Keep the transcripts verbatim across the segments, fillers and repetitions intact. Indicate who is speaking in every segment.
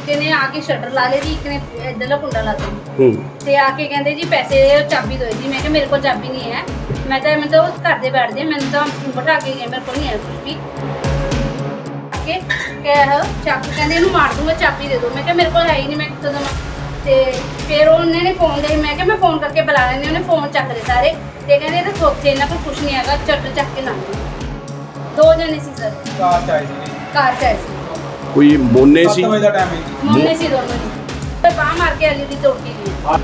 Speaker 1: ਇੱਕ ਨੇ ਆ ਕੇ ਸ਼ਟਰ ਲਾ ਲੇ ਜੀ, ਇੱਕ ਨੇ ਇੱਧਰਲਾ ਕੁੰਡਾ ਲਾ ਤਾ
Speaker 2: ਹੂੰ
Speaker 1: ਤੇ ਆ ਕੇ ਕਹਿੰਦੇ ਜੀ ਪੈਸੇ ਚਾਬੀ ਦਿਓ ਜੀ। ਮੈਂ ਕਿਹਾ ਮੇਰੇ ਕੋਲ ਚਾਬੀ ਨਹੀਂ ਹੈ, ਮੈਂ ਤਾਂ ਮੈਂ ਤਾਂ ਉਹ ਘਰ ਦੇ ਬੈਠਦੇ, ਮੈਨੂੰ ਤਾਂ ਬਿਠਾ ਕੇ ਗਏ, ਮੇਰੇ ਕੋਲ ਨਹੀਂ ਹੈ ਕੁਝ ਵੀ। ਕੇ ਕਹਿ ਚਾਬੀ ਕਹਿੰਦੇ ਇਹਨੂੰ ਮਾਰ ਦੂੰਗਾ, ਚਾਬੀ ਦੇ ਦਿਓ। ਮੈਂ ਕਿਹਾ ਮੇਰੇ ਕੋਲ ਹੈ ਹੀ ਨਹੀਂ, ਮੈਂ ਕਿੱਥੋਂ ਦੇਵਾਂ। ਤੇ ਫਿਰ ਉਹਨੇ ਨੇ ਫੋਨ ਦੇ, ਮੈਂ ਕਿਹਾ ਮੈਂ ਫੋਨ ਕਰਕੇ ਬੁਲਾ ਲੈਂਦੀ, ਉਹਨੇ ਫੋਨ ਚੱਕ ਲਏ ਸਾਰੇ ਤੇ ਕਹਿੰਦੇ ਇਹ ਤਾਂ ਥੋਥੇ, ਇਹਨਾਂ ਕੋਲ ਕੁਝ ਨਹੀਂ ਹੈਗਾ, ਚੱਟ ਚੱਕ ਕੇ ਲੰਘ ਗਏ। ਦੋ ਜਣੇ ਸੀ ਸਰ,
Speaker 3: ਕਾਰ ਚ ਆਏ ਸੀ
Speaker 1: ਕਾਰ ਚ ਆਏ ਸੀ,
Speaker 2: ਕੋਈ ਮੋਨੇ ਸੀ?
Speaker 3: ਸੱਤ ਵਜੇ ਦਾ ਟਾਈਮ ਹੈ ਜੀ।
Speaker 1: ਮੋਨੇ ਸੀ ਦੋਨੋਂ ਜੀ, ਤੇ ਬਾਹ ਮਾਰ ਕੇ ਐਲਈਡੀ ਤੋੜ ਕੇ ਗਏ।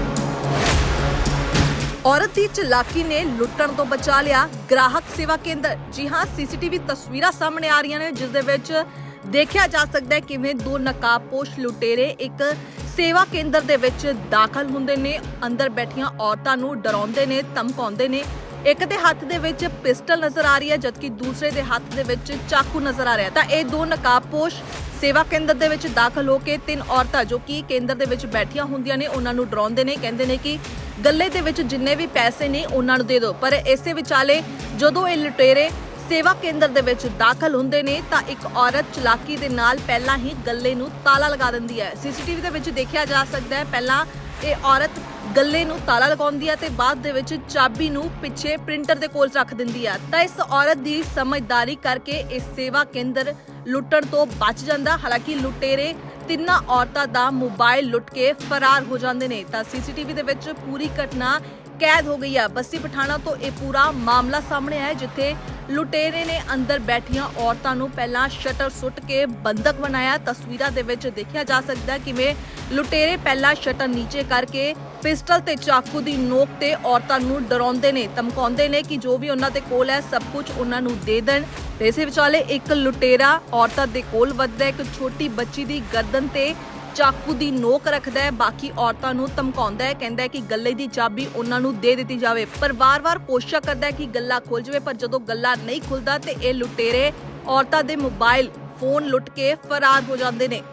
Speaker 4: ਔਰਤ ਦੀ ਚਲਾਕੀ ਨੇ ਲੁੱਟਣ ਤੋਂ ਬਚਾ ਲਿਆ ਗ੍ਰਾਹਕ ਸੇਵਾ ਕੇਂਦਰ। ਜੀ ਹਾਂ, ਸੀਸੀਟੀਵੀ ਤਸਵੀਰਾਂ ਸਾਹਮਣੇ ਆ ਰਹੀਆਂ ਨੇ ਜਿਸ ਦੇ ਵਿੱਚ ਦੇਖਿਆ ਜਾ ਸਕਦਾ ਹੈ ਕਿਵੇਂ ਦੋ ਨਕਾਬਪੋਸ਼ ਲੁਟੇਰੇ ਇੱਕ ਸੇਵਾ ਕੇਂਦਰ ਦੇ ਵਿੱਚ ਦਾਖਲ ਹੁੰਦੇ ਨੇ, ਅੰਦਰ ਬੈਠੀਆਂ ਔਰਤਾਂ ਨੂੰ ਡਰਾਉਂਦੇ ਨੇ, ਧਮਕਾਉਂਦੇ ਨੇ। ਇੱਕ ਦੇ ਹੱਥ ਦੇ ਵਿੱਚ ਪਿਸਟਲ ਨਜ਼ਰ ਆ ਰਹੀ ਹੈ ਜਦਕਿ ਦੂਸਰੇ ਦੇ ਹੱਥ ਦੇ ਵਿੱਚ ਚਾਕੂ ਨਜ਼ਰ ਆ ਰਿਹਾ। ਤਾਂ ਇਹ ਦੋ ਨਕਾਬਪੋਸ਼ ਸੇਵਾ ਕੇਂਦਰ ਦੇ ਵਿੱਚ ਦਾਖਲ ਹੋ ਕੇ ਤਿੰਨ ਔਰਤਾਂ ਜੋ ਕਿ ਕੇਂਦਰ ਦੇ ਵਿੱਚ ਬੈਠੀਆਂ ਹੁੰਦੀਆਂ ਨੇ ਉਹਨਾਂ ਨੂੰ ਡਰਾਉਂਦੇ ਨੇ, ਕਹਿੰਦੇ ਨੇ ਕਿ ਗੱਲੇ ਦੇ ਵਿੱਚ ਜਿੰਨੇ ਵੀ ਪੈਸੇ ਨੇ ਉਹਨਾਂ ਨੂੰ ਦੇ ਦਿਓ। ਪਰ ਇਸੇ ਵਿਚਾਲੇ ਜਦੋਂ ਇਹ ਲੁਟੇਰੇ ਸੇਵਾ ਕੇਂਦਰ ਦੇ ਵਿੱਚ ਦਾਖਲ ਹੁੰਦੇ ਨੇ ਤਾਂ ਇੱਕ ਔਰਤ ਚਲਾਕੀ ਦੇ ਨਾਲ ਪਹਿਲਾਂ ਹੀ ਗੱਲੇ ਨੂੰ ਤਾਲਾ ਲਗਾ ਦਿੰਦੀ ਹੈ। ਸੀਸੀਟੀਵੀ ਦੇ ਵਿੱਚ ਦੇਖਿਆ ਜਾ ਸਕਦਾ ਹੈ ਪਹਿਲਾਂ ਇਹ ਔਰਤ ਗੱਲੇ ਨੂੰ ਤਾਲਾ ਲਗਾਉਂਦੀ ਹੈ ਤੇ ਬਾਅਦ ਦੇ ਵਿੱਚ ਚਾਬੀ ਨੂੰ ਪਿੱਛੇ ਪ੍ਰਿੰਟਰ ਦੇ ਕੋਲ ਰੱਖ ਦਿੰਦੀ ਹੈ। ਤਾਂ ਇਸ ਔਰਤ ਦੀ ਸਮਝਦਾਰੀ ਕਰਕੇ ਇਸ ਸੇਵਾ ਕੇਂਦਰ ਲੁੱਟਣ ਤੋਂ ਬਚ ਜਾਂਦਾ। ਹਾਲਾਂਕਿ ਲੁਟੇਰੇ ਤਿੰਨਾਂ ਔਰਤਾਂ ਦਾ ਮੋਬਾਈਲ ਲੁੱਟ ਕੇ ਫਰਾਰ ਹੋ ਜਾਂਦੇ ਨੇ। ਤਾਂ ਸੀਸੀਟੀਵੀ ਦੇ ਵਿੱਚ ਪੂਰੀ ਘਟਨਾ ਕੈਦ ਹੋ ਗਈ ਹੈ। ਬੱਸੀ ਪਠਾਣਾ ਤੋਂ ਇਹ ਪੂਰਾ ਮਾਮਲਾ ਸਾਹਮਣੇ ਆਇਆ ਜਿੱਥੇ ਲੁਟੇਰੇ ਨੇ ਅੰਦਰ ਬੈਠੀਆਂ ਔਰਤਾਂ ਨੂੰ ਪਹਿਲਾਂ ਸ਼ਟਰ ਸੁੱਟ ਕੇ ਬੰਦਕ ਬਣਾਇਆ। ਤਸਵੀਰਾਂ ਦੇ ਵਿੱਚ ਦੇਖਿਆ ਜਾ ਸਕਦਾ ਹੈ ਕਿਵੇਂ ਲੁਟੇਰੇ ਪਹਿਲਾਂ ਸ਼ਟਰ ਨੀਚੇ ਕਰਕੇ ਪਿਸਟਲ ਤੇ ਚਾਕੂ ਦੀ ਨੋਕ ਤੇ ਔਰਤਾਂ ਨੂੰ ਡਰਾਉਂਦੇ ਨੇ, ਧਮਕਾਉਂਦੇ ਨੇ ਕਿ ਜੋ ਵੀ ਉਹਨਾਂ ਦੇ ਕੋਲ ਹੈ ਸਭ ਕੁਝ ਉਹਨਾਂ ਨੂੰ ਦੇ ਦੇਣ। ਤੇ ਇਸੇ ਵਿਚਾਲੇ ਇੱਕ ਲੁਟੇਰਾ ਔਰਤਾਂ ਦੇ ਕੋਲ ਵੱਧਦਾ ਹੈ, ਇੱਕ ਛੋਟੀ ਬੱਚੀ ਦੀ ਗਰਦਨ ਤੇ ਚਾਕੂ ਦੀ ਨੋਕ ਰੱਖਦਾ ਹੈ, ਬਾਕੀ ਔਰਤਾਂ ਨੂੰ ਧਮਕਾਉਂਦਾ ਹੈ, ਕਹਿੰਦਾ ਹੈ ਕਿ ਗੱਲੇ ਦੀ ਚਾਬੀ ਉਹਨਾਂ ਨੂੰ ਦੇ ਦਿੱਤੀ ਜਾਵੇ। ਪਰ ਵਾਰ-ਵਾਰ ਕੋਸ਼ਿਸ਼ ਕਰਦਾ ਹੈ ਕਿ ਗੱਲਾ ਖੁੱਲ ਜਾਵੇ, ਪਰ ਜਦੋਂ ਗੱਲਾ ਨਹੀਂ ਖੁੱਲਦਾ ਤੇ ਇਹ ਲੁਟੇਰੇ ਔਰਤਾਂ ਦੇ ਮੋਬਾਈਲ ਫੋਨ ਲੁੱਟ ਕੇ ਫਰਾਰ ਹੋ ਜਾਂਦੇ ਨੇ।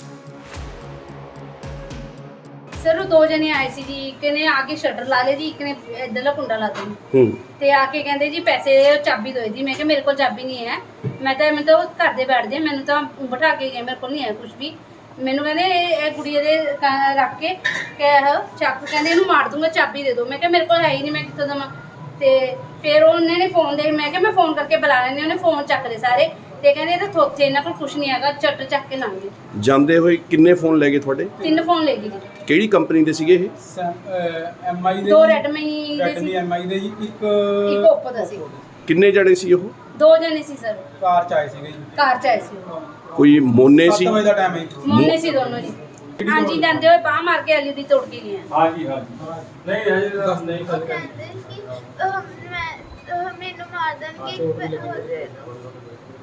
Speaker 1: ਸਰ ਉਹ ਦੋ ਜਣੇ ਆਏ ਸੀ ਜੀ, ਇੱਕ ਨੇ ਆ ਕੇ ਸ਼ਟਰ ਲਾ ਲੇ ਜੀ, ਇੱਕ ਨੇ ਇੱਧਰਲਾ ਕੁੰਡਾ ਲਾ ਤਾ
Speaker 2: ਹੂੰ
Speaker 1: ਤੇ ਆ ਕੇ ਕਹਿੰਦੇ ਜੀ ਪੈਸੇ ਚਾਬੀ ਦਿਓ ਜੀ। ਮੈਂ ਕਿਹਾ ਮੇਰੇ ਕੋਲ ਚਾਬੀ ਨਹੀਂ ਹੈ, ਮੈਂ ਤਾਂ ਮੈਂ ਤਾਂ ਉਹ ਘਰ ਦੇ ਬੈਠਦੇ, ਮੈਨੂੰ ਤਾਂ ਬਿਠਾ ਕੇ ਗਏ, ਮੇਰੇ ਕੋਲ ਨਹੀਂ ਹੈ ਕੁਝ ਵੀ। ਮੈਨੂੰ ਕਹਿੰਦੇ ਇਹ ਗੁੜੀਆ ਦੇ ਕ- ਰੱਖ ਕੇ ਕਹਿ ਚਾਕੂ ਕਹਿੰਦੇ ਇਹਨੂੰ ਮਾਰ ਦੂੰਗਾ, ਚਾਬੀ ਦੇ ਦਿਓ। ਮੈਂ ਕਿਹਾ ਮੇਰੇ ਕੋਲ ਹੈ ਹੀ ਨਹੀਂ, ਮੈਂ ਕਿੱਥੋਂ ਦੇਵਾਂ। ਤੇ ਫਿਰ ਉਹਨੇ ਨੇ ਫੋਨ ਦੇ, ਮੈਂ ਕਿਹਾ ਮੈਂ ਫੋਨ ਕਰਕੇ ਬੁਲਾ ਲੈਂਦੀ, ਉਹਨੇ ਫੋਨ ਚੱਕ ਲਏ ਸਾਰੇ ਤੇ ਕਹਿੰਦੇ ਇਹ ਤਾਂ ਥੋਥੇ, ਇਹਨਾਂ ਕੋਲ ਕੁਝ ਨਹੀਂ ਹੈਗਾ, ਚੱਟ ਚੱਕ ਕੇ ਲੰਘ ਗਏ।
Speaker 2: ਜਾਂਦੇ ਹੋਏ ਕਿੰਨੇ ਫੋਨ ਲੈ ਗਏ ਤੁਹਾਡੇ?
Speaker 1: ਤਿੰਨ ਫੋਨ ਲੈ ਗਏ ਜੀ,
Speaker 2: ਕਿਹੜੀ ਕੰਪਨੀ ਦੇ ਸੀਗੇ ਇਹ?
Speaker 3: ਐਮ ਆਈ ਦੇ
Speaker 1: ਦੋ
Speaker 3: ਜੀ,
Speaker 1: ਰੈਡਮੀ ਦੇ
Speaker 3: ਰੈਡਮੀ
Speaker 1: ਸੀ,
Speaker 3: ਐਮ ਆਈ ਦੇ ਜੀ, ਇੱਕ
Speaker 1: ਇੱਕ ਓਪੋ ਦਾ ਸੀ।
Speaker 2: ਕਿੰਨੇ ਜਣੇ ਸੀ ਉਹ?
Speaker 1: ਦੋ ਜਣੇ ਸੀ ਸਰ,
Speaker 3: ਕਾਰ ਚ ਆਏ ਸੀਗੇ ਜੀ।
Speaker 1: ਕਾਰ ਚ ਆਏ ਸੀ ਉਹ।
Speaker 2: ਕੋਈ ਮੋਨੇ ਸੀ?
Speaker 3: ਸੱਤ ਵਜੇ ਦਾ ਟਾਈਮ ਹੈ ਜੀ।
Speaker 1: ਮੋਨੇ ਸੀ ਦੋਨੋਂ ਜੀ। ਹਾਂਜੀ, ਜਾਂਦੇ ਹੋਏ ਬਾਹ ਮਾਰ ਕੇ ਐਲਈਡੀ ਤੋੜ ਕੇ ਗਏ ਆ।
Speaker 3: ਹਾਂਜੀ ਹਾਂਜੀ ਨਹੀਂ ਅਜੇ ਦੱਸ ਨਹੀਂ
Speaker 5: ਉਹ ਕਹਿੰਦੇ ਕਿ ਅਹ, ਮੈਂ ਅਹ, ਮੈਨੂੰ ਮਾਰ ਦੇਣਗੇ, ਇੱਕ ਪੈਸੇ ਹੋਰ ਦੇ ਦਿਓ।